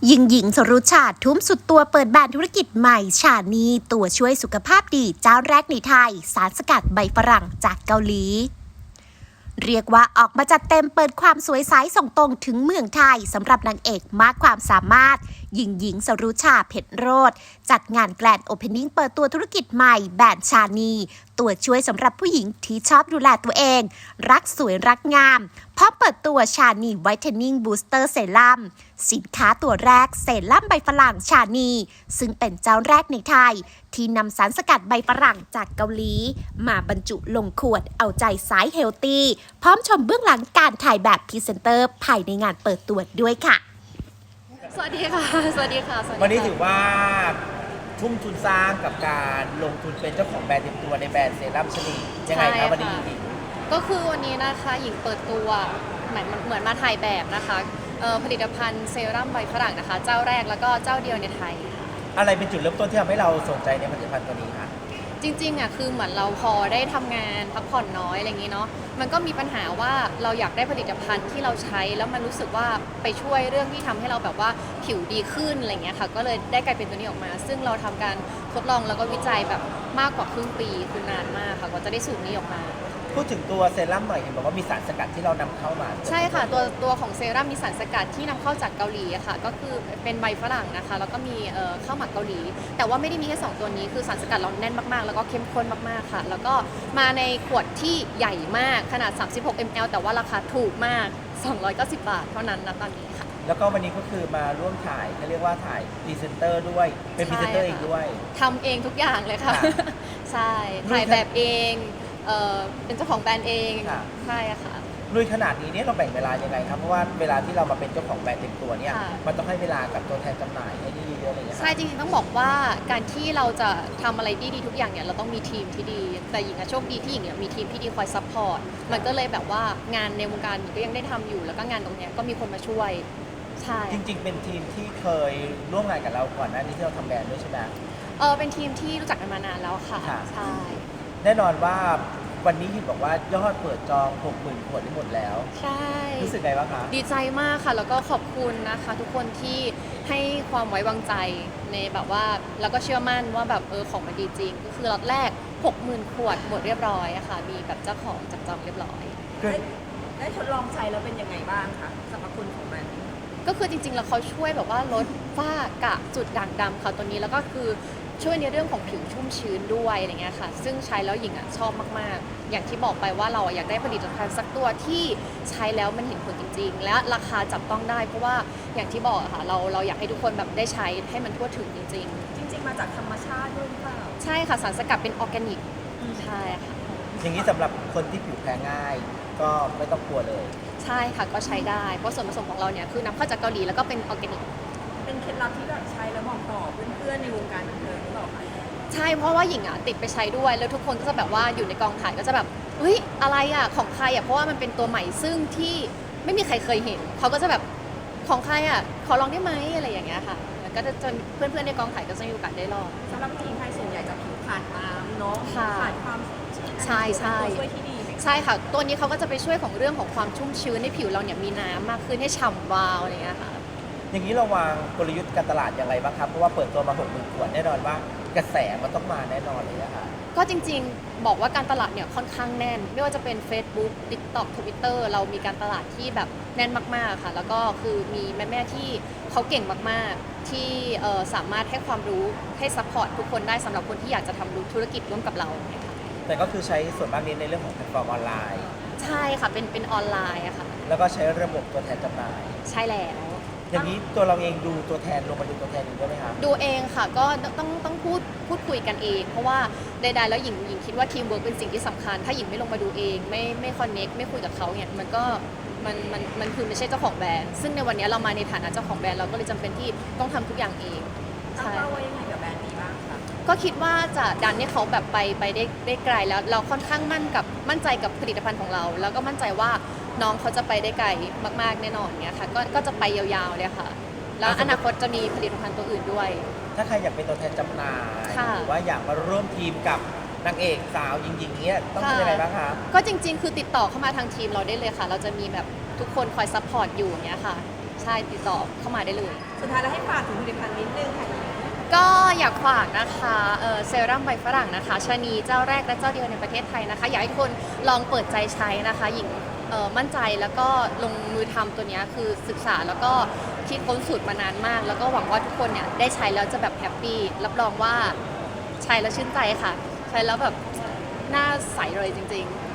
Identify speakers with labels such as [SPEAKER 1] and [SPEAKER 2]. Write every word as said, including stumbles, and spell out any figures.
[SPEAKER 1] หญิงหญิงสรุชาติทุ่มสุดตัวเปิดแบรนด์ธุรกิจใหม่ชานีตัวช่วยสุขภาพดีเจ้าแรกในไทยสารสกัดใบฝรั่งจากเกาหลีเรียกว่าออกมาจัดเต็มเปิดความสวยใสส่งตรงถึงเมืองไทยสำหรับนางเอกมากความสามารถหญิงหญิงสรุชาเพชรโรจน์จัดงานแกรนด์โอเพนนิ่งเปิดตัวธุรกิจใหม่แบรนด์ชานีตัวช่วยสำหรับผู้หญิงที่ชอบดูแลตัวเองรักสวยรักงามพร้อมเปิดตัวชานีไวท์เทนนิ่งบูสเตอร์เซรั่มสินค้าตัวแรกเซรั่มใบฝรั่งชานีซึ่งเป็นเจ้าแรกในไทยที่นำสารสกัดใบฝรั่งจากเกาหลีมาบรรจุลงขวดเอาใจสายเฮลตี้พร้อมชมเบื้องหลังการถ่ายแบบพรีเซนเตอร์ภายในงานเปิดตัวด้วยค่ะ
[SPEAKER 2] สวัสดีค่ะสวัสดีค่ะสวัสดี
[SPEAKER 3] วันนี้ถือว่าทุ่มทุนสร้างกับการลงทุนเป็นเจ้าของแบรนด์เต็มตัวในแบรนด์เซรั่มชนียังไงครับวันนี้หญิง
[SPEAKER 2] ก็คือวันนี้นะคะหญิงเปิดตัวเหมือนเหมือนมาถ่ายแบบนะคะผลิตภัณฑ์เซรั่มใบฝรั่งนะคะเจ้าแรกแล้วก็เจ้าเดียวในไทย
[SPEAKER 3] อะไรเป็นจุดเริ่มต้นที่ทำให้เราสนใจในผลิตภัณฑ์ตัวนี้คะ
[SPEAKER 2] จริงๆอ่ะคือเหมือนเราพอได้ทำงานพักผ่อนน้อยอะไรอย่างนี้เนาะมันก็มีปัญหาว่าเราอยากได้ผลิตภัณฑ์ที่เราใช้แล้วมันรู้สึกว่าไปช่วยเรื่องที่ทำให้เราแบบว่าผิวดีขึ้นอะไรเงี้ยค่ะก็เลยได้กลายเป็นตัวนี้ออกมาซึ่งเราทำการทดลองแล้วก็วิจัยแบบมากกว่าครึ่งปีคือนานมากค่ะกว่าจะได้สูตรนี้ออกมา
[SPEAKER 3] พูดถึงตัวเซรั่มหน่อยเห็นบอกว่ามีสารสกัดที่เรานำเข้ามา
[SPEAKER 2] ใช่ค่ะตัวตัวของเซรั่มมีสารสกัดที่นำเข้าจากเกาหลีอะค่ะก็คือเป็นใบฝรั่งนะคะแล้วก็มีข้าวหมักเกาหลีแต่ว่าไม่ได้มีแค่สองตัวนี้คือสารสกัดเราแน่นมากๆแล้วก็เข้มข้นมากๆค่ะแล้วก็มาในขวดที่ใหญ่มากขนาดสามสิบหกมิลลิลิตรแต่ว่าราคาถูกมากสองร้อยเก้าสิบบาทเท่านั้นนะตอนนี้ค่ะ
[SPEAKER 3] แล้วก็วันนี้ก็คือมาร่วมถ่ายเขาเรียกว่าถ่ายพรีเซนเตอร์ด้วยเป็นพรีเซนเตอร์เองด้วย
[SPEAKER 2] ทำเองทุกอย่างเลยค่ะใช่ถ่ายแบบเองเออเป็นเจ้าของแบรนด์เองใช่ค่ะ
[SPEAKER 3] ลุยขนาดนี้เนี่ยเราแบ่งเวลายังไงครับเพราะว่าเวลาที่เรามาเป็นเจ้าของแบรนด์เต็มตัวเนี่ยมันต้องให้เวลากับตัวแทนจำหน่ายให้เยอะๆอะไรอย่างเงี้ย
[SPEAKER 2] ใช่จริงๆต้องบอกว่าการที่เราจะทำอะไรที่ดีทุกอย่างเนี่ยเราต้องมีทีมที่ดีแต่หญิงโชคดีที่หญิงเนี่ยมีทีมที่ดีคอยซัพพอร์ตมันก็เลยแบบว่างานในวงการหญิงก็ยังได้ทำอยู่แล้วก็งานตรงเนี้ยก็มีคนมาช่วยใช่
[SPEAKER 3] จริงๆเป็นทีมที่เคยร่วมงานกับเราก่อนหน้านี้ที่เราทำแบรนด์ด้วยใช่ไหม
[SPEAKER 2] เออเป็นทีมที่รู้จักกันมานานแล้วค่ะใช่
[SPEAKER 3] แน่นอนว่าวันนี้เห็นบอกว่ายอดเปิดจอง หกหมื่น ขวดได้หมดแล้ว
[SPEAKER 2] ใช่
[SPEAKER 3] รู้สึกไงบ้างคะ
[SPEAKER 2] ดีใจมากค่ะแล้วก็ขอบคุณนะคะทุกคนที่ให้ความไว้วางใจในแบบว่าแล้วก็เชื่อมั่นว่าแบบเออของมันดีจริงก็คือล็อตแรก หกหมื่น ขวดหมดเรียบร้อยอะค่ะมีแบบเจ้าของจับจองเรียบร้อย
[SPEAKER 4] ได้ทดลองใช้แล้วเป็นยังไงบ้างคะสรรพคุณของมัน
[SPEAKER 2] ก็คือจริงๆแล้วเขาช่วยแบบว่าลดฝ้ากระจุดด่างดำค่ะตัวนี้แล้วก็คือช่วยในเรื่องของผิวชุ่มชื้นด้วยอะไรเงี้ยค่ะซึ่งใช้แล้วหญิงอ่ะชอบมากๆอย่างที่บอกไปว่าเราอยากได้ผลิตภัณฑ์สักตัวที่ใช้แล้วมันเห็นผลจริงๆและราคาจับต้องได้เพราะว่าอย่างที่บอกค่ะเราเราอยากให้ทุกคนแบบได้ใช้ให้มันทั่วถึงจริงๆ
[SPEAKER 4] จริงๆมาจากธรรมชาติด้วยหรือเปล่า
[SPEAKER 2] ใช่ค่ะสารสกัดเป็นออร์แกนิกใช่ค่ะ
[SPEAKER 3] อย่างนี้สำหรับคนที่ผิวแพ้ง่ายก็ไม่ต้องกลัวเลย
[SPEAKER 2] ใช่ค่ะก็ใช้ได้เพราะส่วนผสมของเราเนี่ยคือนำเข้าจากเกาหลีแล้วก็เป็นออร์แกนิก
[SPEAKER 4] เป็นเคล็ดลับที่แบบใช้แล้วบอกต่อเพื่อนๆในวงการบันเทิงหรือเปล่าคะ
[SPEAKER 2] ใช่เพราะว่าหญิงอ่ะติดไปใช้ด้วยแล้วทุกคนก็จะแบบว่าอยู่ในกองถ่ายก็จะแบบเฮ้ยอะไรอ่ะของใครอ่ะเพราะว่ามันเป็นตัวใหม่ซึ่งที่ไม่มีใครเคยเห็นเขาก็จะแบบของใครอ่ะขอลองได้ไหมอะไรอย่างเงี้ยค่ะก็จะจนเพื่อนๆในกองถ่ายก็จะมีโอกาสได้ลอง
[SPEAKER 4] สำหรับทีมไทยส่วนใหญ่จะผิวขาดน้ำเนาะขาดความ
[SPEAKER 2] ใช่ใช่
[SPEAKER 4] ช่วยที่ดี
[SPEAKER 2] ใช่ค่ะตัวนี้เขาก็จะไปช่วยของเรื่องของความชุ่มชื้นในผิวเราเนี่ยมีน้ำมากขึ้นให้ฉ่ำวาวอะไรอย่างเงี้ยค่ะ
[SPEAKER 3] อย่างนี้เราวางกลยุทธ์การตลาดอย่างไรบ้างครับเพราะว่าเปิดตัวมา หกหมื่น ขวดแน่นอนว่ากระแสมันต้องมาแน่นอนเลยนะคะ
[SPEAKER 2] ก็จริงๆบอกว่าการตลาดเนี่ยค่อนข้างแน่นไม่ว่าจะเป็น Facebook TikTok Twitter เรามีการตลาดที่แบบแน่นมากๆค่ะแล้วก็คือมีแม่ๆที่เขาเก่งมากๆที่สามารถให้ความรู้ให้ซัพพอร์ตทุกคนได้สำหรับคนที่อยากจะทำธุรกิจร่วมกับเราเนี่ยค่ะ
[SPEAKER 3] แต่ก็คือใช้ส่วนมากนี้ในเรื่องของแพลตฟอร์มออนไลน์
[SPEAKER 2] ใช่ค่ะเป็นเป็นออนไลน์อะค่ะ
[SPEAKER 3] แล้วก็ใช้ระบบตัวแทนจำหน่าย
[SPEAKER 2] ใช่แล้ว
[SPEAKER 3] อย่างนี้ตัวเราเองดูตัวแทนลงมาดูตัวแทนดูได้ไหมคะ
[SPEAKER 2] ดูเองค่ะก็ต้องต้องพูดพูดคุยกันเองเพราะว่าใดๆแล้วหญิงหญิงคิดว่าทีมเวิร์กเป็นสิ่งที่สำคัญถ้าหญิงไม่ลงมาดูเองไม่ไม่คอนเน็กไม่คุยกับเขาเนี่ยมันก็มันมันมันคือไม่ใช่เจ้าของแบรนด์ซึ่งในวันนี้เรามาในฐานะเจ้าของแบรนด์เราก็เลยจำเป็นที่ต้องทำทุกอย่างเอง
[SPEAKER 4] ตั้งเป้าไว้ยังไงกับแบรนด์นี้บ้างคะ
[SPEAKER 2] ก็คิดว่าจะดันให้เขาแบบไปไปได้ได้ไกลแล้วเราค่อนข้างมั่นกับมั่นใจกับผลิตภัณฑ์ของเรา แล้วก็มั่นใจว่าน้องเขาจะไปได้ไกลมากๆแน่นอนเนี่ยค่ะก็ก็จะไปยาวๆเลยค่ะแล้วอนาคตจะมีผลิตภัณฑ์ตัวอื่นด้วย
[SPEAKER 3] ถ้าใครอยากเป็นตัวแทนจำหน่ายหรือว่าอยากมาร่วมทีมกับนางเอกสาวหญิงๆเนี้ยต้องทำยังไงบ้างคะ
[SPEAKER 2] ก็จริงๆคือติดต่อเข้ามาทางทีมเราได้เลยค่ะเราจะมีแบบทุกคนคอยซัพพอร์ตอยู่อย่างเงี้ยค่ะใช่ติดต่อเข้ามาได้เลย
[SPEAKER 4] สุดท้ายแล้วให้ฝากถึงผลิตภัณฑ์นิดนึงค่ะ
[SPEAKER 2] ก็อยากฝากนะคะเอ่อเซรั่มใบฝรั่งนะคะชะนีเจ้าแรกและเจ้าเดียวในประเทศไทยนะคะอยากให้ทุกคนลองเปิดใจใช้นะคะหญิงเอ่อมั่นใจแล้วก็ลงมือทำตัวเนี้ยคือศึกษาแล้วก็คิดค้นสูตรมานานมาก แล้วก็หวังว่าทุกคนเนี่ยได้ใช้แล้วจะแบบแฮปปี้รับรองว่าใช้แล้วชื่นใจค่ะ ใช้แล้วแบบหน้าใสเลยจริงๆ